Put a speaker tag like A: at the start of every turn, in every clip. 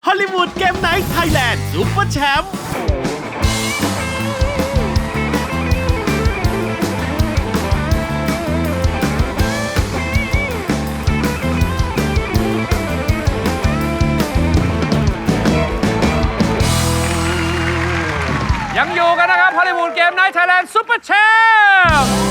A: อลลีวูดเกมไนท์ไทยแลนด์ซุปเปอร์แชมป์
B: ยังอยู่กันนะครับฮอลลีวูดเกมไนท์ไทยแลนด์ซุปเปอร์แชมป์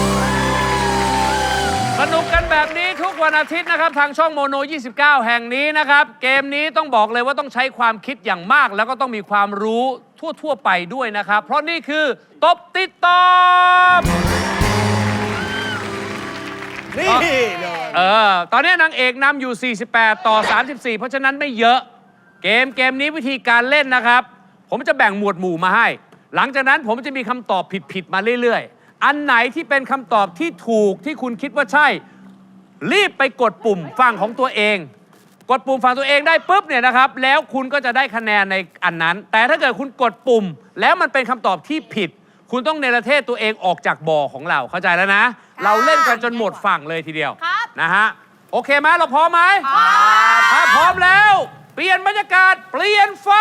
B: สนุกกันแบบนี้ทุกวันอาทิตย์นะครับทางช่องโมโน 29 แห่งนี้นะครับเกมนี้ต้องบอกเลยว่าต้องใช้ความคิดอย่างมากแล้วก็ต้องมีความรู้ทั่วไปด้วยนะครับเพราะนี่คือตบติดตอบ
A: นี่
B: ตอนนี้นางเอกนำอยู่ 48 ต่อ 34 เพราะฉะนั้นไม่เยอะเกมนี้วิธีการเล่นนะครับผมจะแบ่งหมวดหมู่มาให้หลังจากนั้นผมจะมีคำตอบผิดมาเรื่อยๆอันไหนที่เป็นคำตอบที่ถูกที่คุณคิดว่าใช่รีบไปกดปุ่มฝั่งของตัวเองกดปุ่มฝั่งตัวเองได้ปุ๊บเนี่ยนะครับแล้วคุณก็จะได้คะแนนในอันนั้นแต่ถ้าเกิดคุณกดปุ่มแล้วมันเป็นคำตอบที่ผิดคุณต้องเนรเทศตัวเองออกจากบ่อของเราเข้าใจแล้วนะเราเล่นกันจนหมดฝั่งเลยทีเดียวนะฮะโอเคไหมเราพร้อมไหมถ้าพร้อมแล้วเปลี่ยนบรรยากาศเปลี่ยนไฟ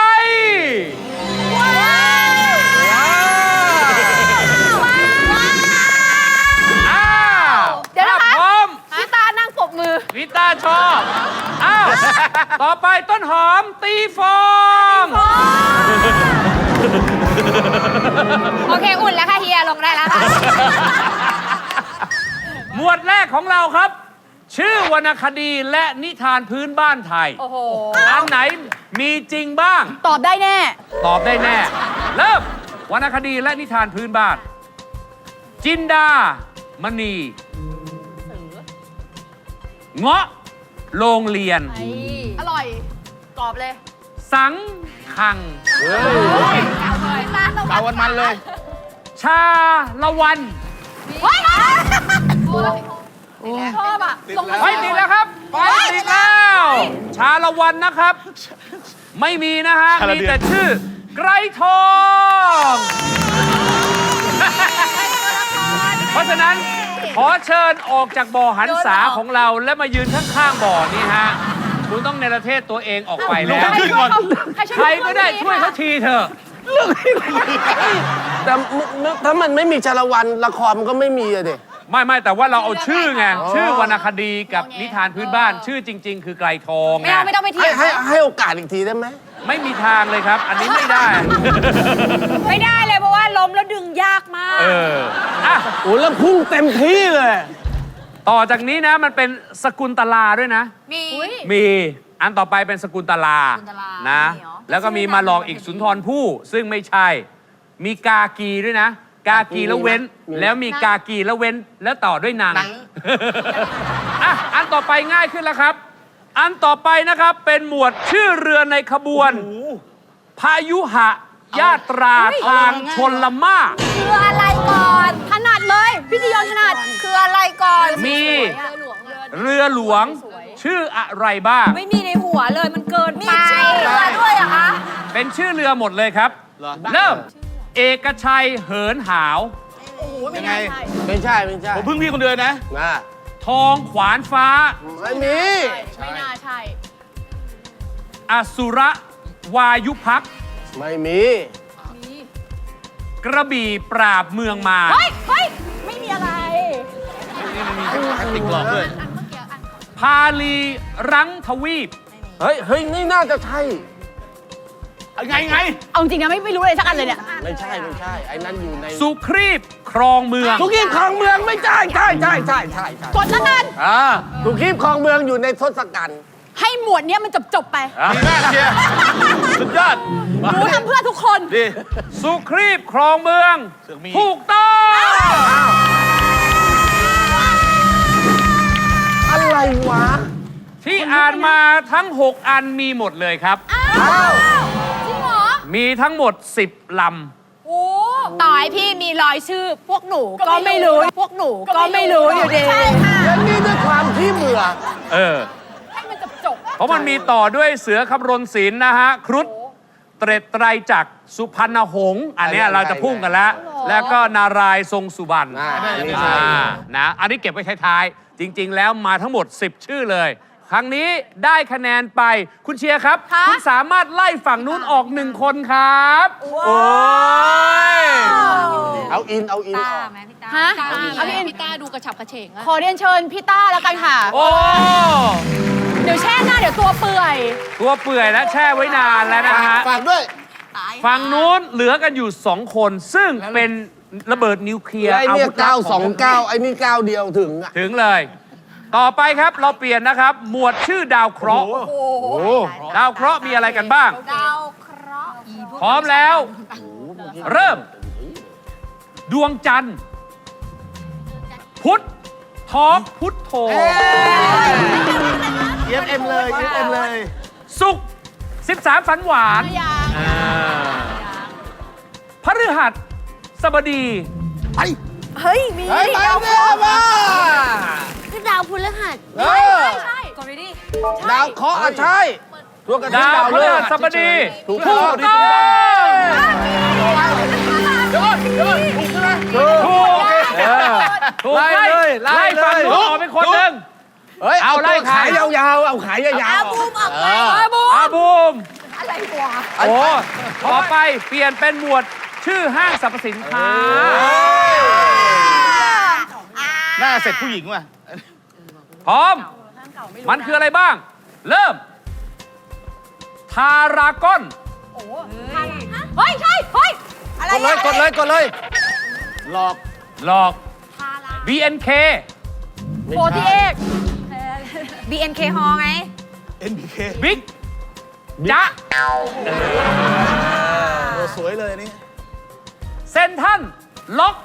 C: เดี๋ยวนะคะ
B: พร้อม
C: พี่ตานั่งปรบมือ
B: ลิต้าชอบอ้าวต่อไปต้นหอมตีฟอง
C: โอเคอุ่นแล้วค่ะเฮียลงได้แล้วค่ะ
B: หมวดแรกของเราครับ ชื่อวรรณคดีและนิทานพื้นบ้านไทย
C: โอ้โห
B: อันไหนมีจริงบ้าง
C: ตอบได้แน่
B: ตอบได้แน่ เริ่มวรรณคดีและนิทานพื้นบ้าน จินดามณีเงาะโรงเรียน
C: อร่อย ตอบเลย
B: สังขัง
A: เอาวันมันเลย
B: ชาละวัน
C: เฮ้ยชอบอ่ะลงมา
B: ไฟติดแล้วครับไฟติดแล้ว ชาละวันนะครับ ไม่มีนะฮะ
A: ชาละ
B: มี
A: เดือน
B: แต่ชื่อ ไกรทอง เพราะฉะนั้นขอเชิญออกจากบ่อหันษาของเราและมายืนข้างๆบ่อนี้ฮะ คุณต้องเนรเทศตัวเองออกไปแล้ว ใครก็ได้ช่วยเขาทีเถอะ
D: แต่ถ้ามันไม่มีชาละวันละครมันก็ไม่มีอะดิ
B: ไม่แต่ว่าเราเอาชื่อไง ชื่อวรรณคดีกับนิทานพื้นบ้าน ชื่อจริง ๆ คือไกรทอง
C: ไม่เอาไม่ต้องไปเที่ยว
D: ให้โอกาสอีกทีได้ไหม
B: ไม่มีทางเลยครับ อันนี้ไม่ได้
C: ไม่ได้เลยเพราะว่าล้มแล้วดึงยากมาก
B: อ่ะ
D: โอ้แล้วพุ่งเต็มที่เลย
B: ต่อจากนี้นะมันเป็นสกุลตลาด้วยนะ มีอันต่อไปเป็นสกุลตลานะ แล้วก็มีมาหลอกอีกสุนทรภู่ซึ่งไม่ใช่ มีกากีด้วยนะ กากีแล้วเว้น แล้วมีกากีแล้วเว้น แล้วต่อด้วยนางอ่ะอันต่อไปง่ายขึ้นแล้วครับ อันต่อไปนะครับเป็นหมวดชื่อเรือในขบวน พายุหะยาตราทางชนละมา
C: คืออะไรก่อน ถนัดเลย พี่จียอนถนัด คืออะไรก่อน
B: มีเรือหลวงชื่ออะไรบ้าง
C: ไม่มีในหัวเลย มันเกินไป มีชื่อเรือด้วยเหรอคะ
B: เป็นชื่อเรือหมดเลยครับ เริ่ม เอกชัยเหินหาว
A: ยังไง
D: ไม่ใช่ไม่ใช่
A: ผมพึ่งพี่คนเดียวนะ
D: นะ
B: ทองขวานฟ้า
D: ไม่มี
C: ไม่น่าใช่
B: อสุรวายุพักษ์
D: ไม่มี
B: กระบี่ปราบเมืองมา
C: เฮ้ย ไม่มีอะไร
A: ติดกรอบด้วย
B: พาลีรังทวีป
D: เฮ้ยนี่น่าจะใช่
A: ไง
C: เอาจริงนะไม่รู้เลยสักอันเลยเนี่ย
D: ไม่ใช่ไอ้นั่นอยู่ใน
B: สุครีบครองเมือง
D: สุขีบคลองเมืองไม่ใช่ใช่
C: กดแล้วกัน
D: สุขีบคลองเมืองอยู่ในทศกัณฐ์
C: ให้หมวดเนี้ยมันจบไป
A: ดีมากเชียร์สุดยอด
C: หนูทำเพื่อทุกคน
A: ดี
B: สุครีบครองเมือง
A: เสือกมี
B: ถูกต้อง
D: อะไรวะ
B: ที่อ่านมาทั้ง 6 อันมีหมดเลยครับ
C: จริงเหรอ
B: มีทั้งหมด 10 ลำ
C: โอ้ต่อให้พี่มีรอยชื่อ พวกหนูก็ไม่รู้ พวกหนูก็ไม่รู้อยู่ดี ใช่ค่ะ
D: และนี่ด้วยความที่เบื่อ
C: ให้มันจบ
B: เพราะมันมีต่อด้วยเสือคำรณศิลป์นะฮะ ครุฑเตร็ดไตรจักรสุพรรณหงษ์อันเนี้ยเราจะพุ่งกันแล้ว แล้วก็นารายณ์ทรงสุบรรณ
D: อ่า
B: นะอันนี้เก็บไว้ท้ายๆ จริง ๆ แล้วมาทั้งหมด 10 ชื่อเลยครั้งนี้ได้คะแนนไปคุณเชียร์ครับ
C: ค่ะ
B: คุณสามารถไล่ฝั่งนู้นออก1 คนครับ
A: โอ้ย
D: เอาอินออก
C: ฮะ
E: เอาพี่ต้าดูกระฉับกระเฉงอะ
C: ขอเรียนเชิญพี่ต้าแล้วกันค่ะ
B: โอ้
C: เดี๋ยวแช่หน้าเดี๋ยวตัวเปื่อย
B: ตัวเปื่อยและแช่ไว้นานแล้วนะฮะ
D: ฝากด้วย
B: ฝั่งนู้นเหลือกันอยู่2 คน ซึ่งเป็นระเบิดนิวเคลียร์
D: ไอ้
B: อา
D: เนี่ย
B: วุธลับของ
D: 929ไอ้นี่9เดียวถึงอ่ะ
B: ถึงเลย ต่อไปครับเราเปลี่ยนนะครับ หมวดชื่อดาวเคราะห์ ดาวเคราะห์มีอะไรกันบ้าง
C: ดาวเคราะห์
B: พร้อมแล้ว เริ่ม ดวงจันทร์ พุธท้องพุธโธ
A: EFM เลย EFM เลย
B: ศุกร์13 ฝันหวานพฤหัสบดี
A: ไป
C: เฮ้ย มี
D: เฮ้ยไปเนี่ยมา
E: คือดาวพฤหัส
D: เออ
C: ใช่กดไปดิ
D: ดาวเคราะห์อ่ะใช่ตัวกระ
B: ดาวพฤหัสบดี
D: ถูก
B: ถู
D: ต้อง
B: กต้องถูกถูก
D: ไล่เลย
B: ไล่ฝั่งนู้นออกเป็นคนหนึ่ง
D: เฮ้ย
B: เอาไล่
D: ตัวขายยาวๆเอาขายยาวๆ
C: บูมออกไป
B: อาบูม
C: อะไรวะ
B: โอ้ต่อไปเปลี่ยนเป็นหมวดชื่อห้างสรรพสินค้า
A: หน้าเสร็จผู้หญิงว่ะ
B: พร้อม มันคืออะไรบ้าง เริ่ม ทารากอน
C: เฮ้ย ใช่ เฮ้ย อะไร
D: กดเลย
A: หลอก
B: หลอก BNK
C: โฟที่เอก BNK ฮอไง
A: NBK
B: บิ๊กจ๊ะ
A: สวยเลยอันนี้
B: เซนทันล็อก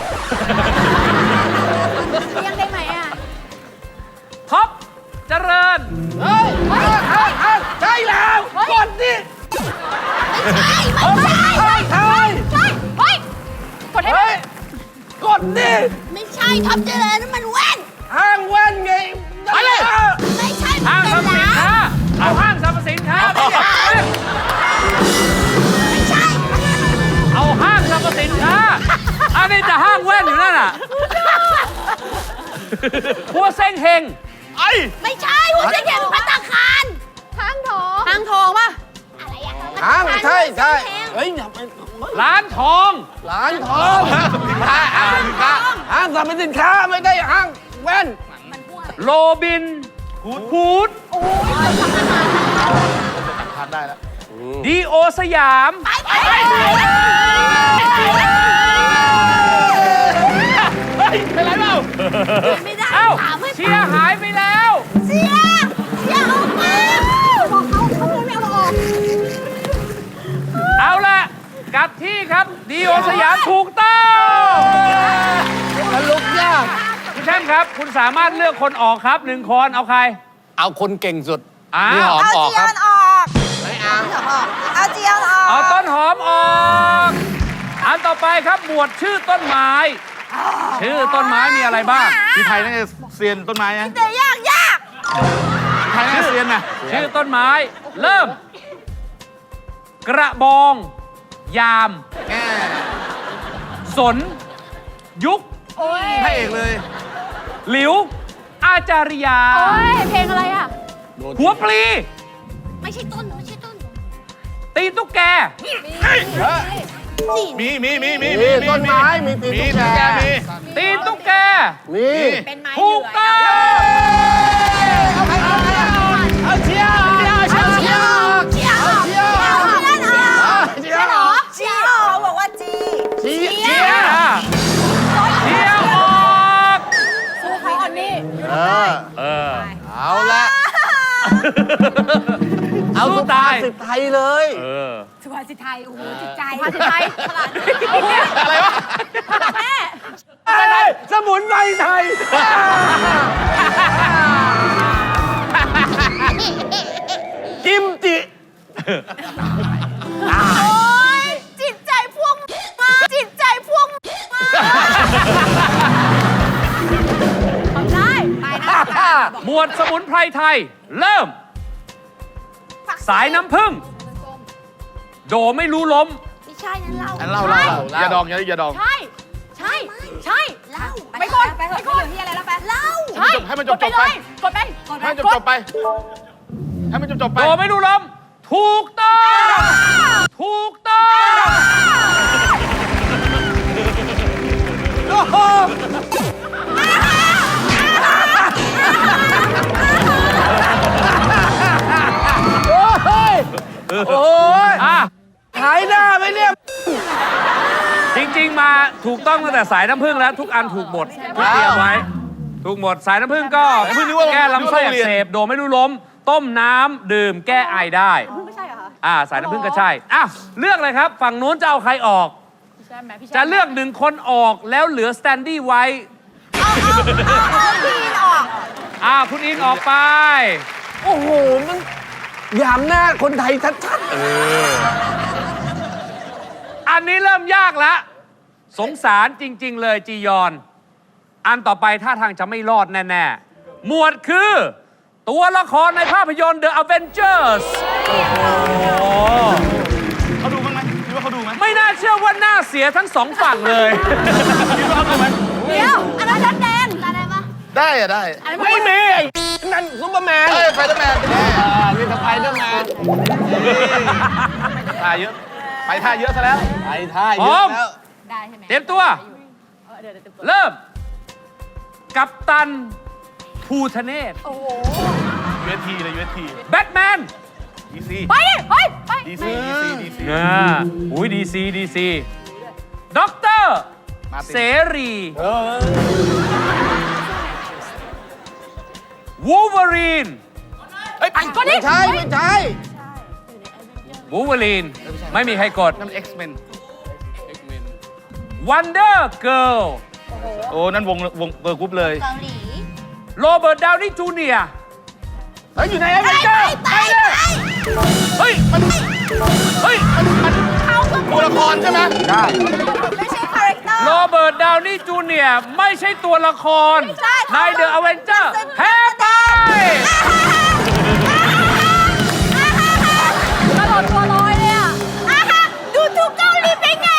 C: เรียงได้ไหมอ่ะ
B: ท็อปเจริญ
D: ใช่แล้วกดดิ
C: ไม่ใช่
D: ใช่
C: เฮ้ย กดให้ไหม
D: กดดิ
E: ไม่ใช่ท็อปเจริญนั่นมันแว่น
D: ห้างแว่นไง
B: ไปเลย
E: ไม่ใช่
B: ห้างสรรพสินค้า เอาห้างสรรพสินค้าไม่ใช่
E: ไม่ใช่
B: เอาห้างสรรพสินค้า อันนี้จะห้างแว่นอยู่นั่นน่ะพัวเซ้งเฮง
A: ไอ้
E: ไม่ใช่หัวใจแข็งพัตตาคาร
C: ห้างทองป่ะ
E: อะไรอะ
D: ห้างใช่
E: เฮ้ย
D: เฮ้ยอย่าไป
B: ร้านทอง
D: ร้านทองห้างสรรพสินค้าไม่ได้ห้างแว่น
B: โรบินฮูด
A: ทานได้แล้ว
B: ดีโอสยาม
A: เฮ้ย เป็นไรเปล่า
E: ไม่ได้
B: เอ้า
E: ถามให้
B: เชียร์หายไปแล้ว
E: เสียออกมาบอกเขาไม่เอาออก
B: เอาละกลับที่ครับดีโอสยามถูกต้อง
D: สรุปยาก
B: คุณแช่มครับ คุณสามารถเลือกคนออกครับ1 คนเอาใคร
D: เอาคนเก่งสุด
B: อ้า
D: พี่ห
B: ว
D: อมออกครับ
C: เอาเจียนออก
B: เอาต้นหอมออกอันต่อไปครับหมวดชื่อต้นไม้ ชื่อต้นไม้มีอะไรบ้าง
A: พี่ไทยน่าจะเซียนต้นไม้นะ
E: แต่ยาก
A: พี่ไทยน่าจะเซียนนะ
B: ชื่อต้นไม้ เริ่ม กระบอง ยาม
A: แง่
B: สน ยุค
A: พระเอกเลย
B: หลิว อาจาริยา
C: โอ้ย เพลงอะไรอ่ะ
B: หัวปลี
E: ไม่ใช่ต้น
B: ตีนตุ๊กแก
A: มี
D: มีต้นไม้มีตีนตุ๊กแก
A: มี
B: ตีนตุ๊กแก
D: มี
C: เป็นไม้
B: ถูกต้อง
D: เอาเชียร์
E: เชียร์เชียร์เชียร์เขาบอกว่าจี
D: เชียร์
B: เชียร์เชียร์ออก
C: สู้เขาอันนี้
D: เอาละเอา
B: สู้
D: สุภา
B: ตาย
D: ษิตไทยเลย
C: สุภาษิตไทย โอ้โห จิตใจสุภาษิตไทยขนาด
A: อะไรวะ
C: แม่
D: อะไรสมุนไพรไทย กิมจิ
E: โอ้ยจิตใจพวกมาจิตใจพวกมา
C: ทำได้ ไปนะ
B: หมวดสมุนไพรไทย เริ่ม สายน้ำผึ้งโดไม่รู้ล้ม
E: ไม่ใช่นั่นเรา
A: อันเล่าอย่าดองอย่าดอง
C: ใช่ ใช่ ใช่
E: เล่า
C: ไปก่อนไปเถอะไปที่อะไรแล้วไป
E: เล่า
A: ให้มันจบไป
C: กดไป
A: ให้มันจบไปให้มันจบไป
B: โดไม่รู้ล้มถูกต้อง ถูกต้อง
D: โอ้ย
B: อ่ะ
D: หายหน้าไหมเนี่ย
B: จริง ๆ มาถูกต้องตั้งแต่สายน้ำผึ้งแล้ว ทุกอันถูกหมดที่เตรียมไว้ ถูกหมดสายน้ำผึ้งก็แก้ลำไส้อักเสบโดไม่รู้ล้ม ต้มน้ำดื่มแก้ไอได้
C: ไม่ใช่เหรอคะ
B: สายน้ำผึ้งก็ใช่อ่ะเลือกเลยครับ ฝั่งนู้นจะเอาใครออก
C: ใช่ไหมพี่
B: จะเลือกหนึ่งคนออกแล้วเหลือสแตนดี้ไว้
E: เอาพี่ออก
B: คุณอินออกไป
D: โอ้โห มันหยามหน้าคนไทยชัด
B: อันนี้เริ่มยากแล้ว สงสารจริง ๆ เลยจียอน อันต่อไปท่าทางจะไม่รอดแน่ ๆ หมวดคือ ตัวละครในภาพยนตร์ The Avengers โอ้โห
A: เขาดูบ้างไหมคิดว่าเขาดูไหม
B: ไม่น่าเชื่อว่าหน้าเสียทั้งสองฝั่งเลย
A: คิดว่าเขาดูไหม
E: เดี๋ยวอันนั้นชัดแดงได้ปะ
A: ได้อะได้
D: ๆ ไม่มีไอ้นั่นซุปเปอร์แมน
A: เอ้ยไฟเดอร์แมน
D: นี่สไปเดอร์แมน
A: ท่าเยอะ ไปท่าเยอะซะแล้ว
D: ไอ้ท่า
B: พร้
D: เย
B: อ
D: อะ
B: ม
D: แล้ว
C: ได้ใช่ไหม
B: เตรียมตัว
C: เดี๋ยวเตรียมตัว
B: เริ่ม กัปตันภูทะเนศ
C: โอ้โห
A: UST เลย UST
B: แบทแมน
A: DC
C: ไปดิเฮ้ยไป
A: DC
B: อุ้ยดีซีด็อกเตอร์
A: มาติน
B: เสรีวูล์ฟเวอรีน
A: เอ้ย
D: ไม่ใช่ ไม่ใช่
B: วูล์ฟเวอรีน ไม่มีใครกด
A: นั่น X-Men
B: วันเดอร์เกิร์ล
A: โอ้ นั่นวงเบอร์กรุ๊ปเลย
E: เกาหลี
B: โรเบิร์ตดาวนี่จูเนียร์
D: เฮ้ย อยู่ในแอเวนเจอร์
E: ไป
B: เฮ้ย เฮ้ย
E: เขาก็
A: ตัวละครใช่ไหม
D: ใช่
E: ไม่ใช่คาแรคเตอร์
B: โรเบิร์ตดาวนี่จูเนียร์ไม่ใช่ตัวละคร
E: ใช่
B: ในเดอะอเวนเจอร์แพ้ไป
C: ตลอดตัวลอยเลยอ่ะ
E: ดูถูกเกาหลีเป็นไง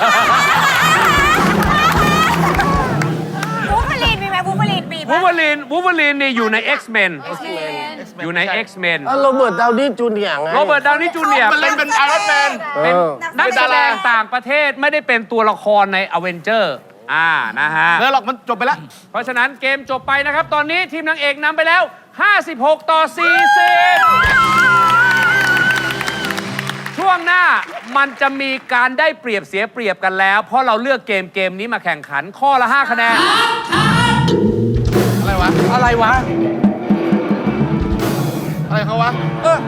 E: บูฟเฟอรีนมีไหมบูฟเฟอรีนมี
B: วู
E: ปะ
B: ล์ฟเวอรีนนี่อยู่ใน X-Men อยู่ใน X-Men
D: แล้วโรเบิร์ตดาวนี่จูเนียร์ไง
B: โรเบิร์ตดาวนี่จูเนียร์
A: มันเล่นเป็นไอรอนแมน
B: เป็น
D: เออ
B: นักแสดงต่างประเทศไม่ได้เป็นตัวละครในอเวนเจอร์นะฮะ
A: แล้วหรอกมันจบไปแล้ว
B: เพราะฉะนั้นเกมจบไปนะครับ ตอนนี้ทีมนางเอกนำไปแล้ว 56 ต่อ 40 ช่วงหน้ามันจะมีการได้เปรียบเสียเปรียบกันแล้ว เพราะเราเลือกเกมนี้มาแข่งขันข้อละ 5 คะแนน
A: อะไรวะ
D: อะไรวะ
A: อะไรเขาวะ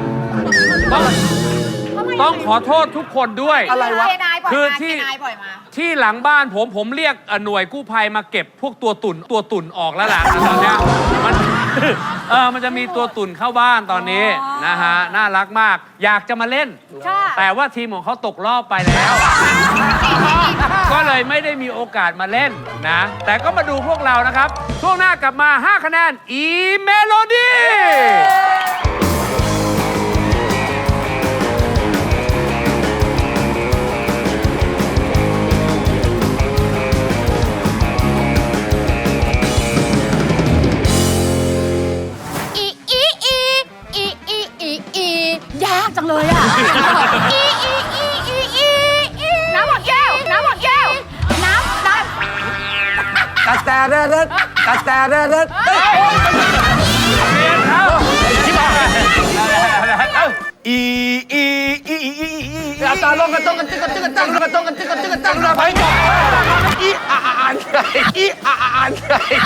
B: ต้องขอโทษทุกคนด้วย
D: อะไรวะ
C: เคนายปล่อย
B: คือ
C: มา
B: ที่
C: เคนายปล่อยมา
B: ที่หลังบ้านผมเรียกหน่วยกู้ภัยมาเก็บพวกตัวตุ่นออกแล้วล่ะตอนเนี้ยมัน มันจะมีตัวตุ่นเข้าบ้านตอนนี้นะฮะน่ารักมาก อยากจะมาเล่น
C: ค่ะ
B: แต่ว่าทีมของเขาตกรอบไปแล้ว ก็เลยไม่ได้มีโอกาสมาเล่นนะ แต่ก็มาดูพวกเรานะครับ ช่วงหน้ากลับมา 5 คะแนนอีเมโลดี้
C: ยากจังเลยอ่ะ น้ำหมดแก้ว น้ำหมดแก้ว น้ำ
D: กระแตเด็ดกระแตเด็ด
B: เรียนครับ
D: อาจารย์ลงกระจกกันจิ๊กกระจิ๊กกระจังกระจกกันจิ๊กกระจิ๊กกระจังระบายก่อนอีอ่านอีอ่าน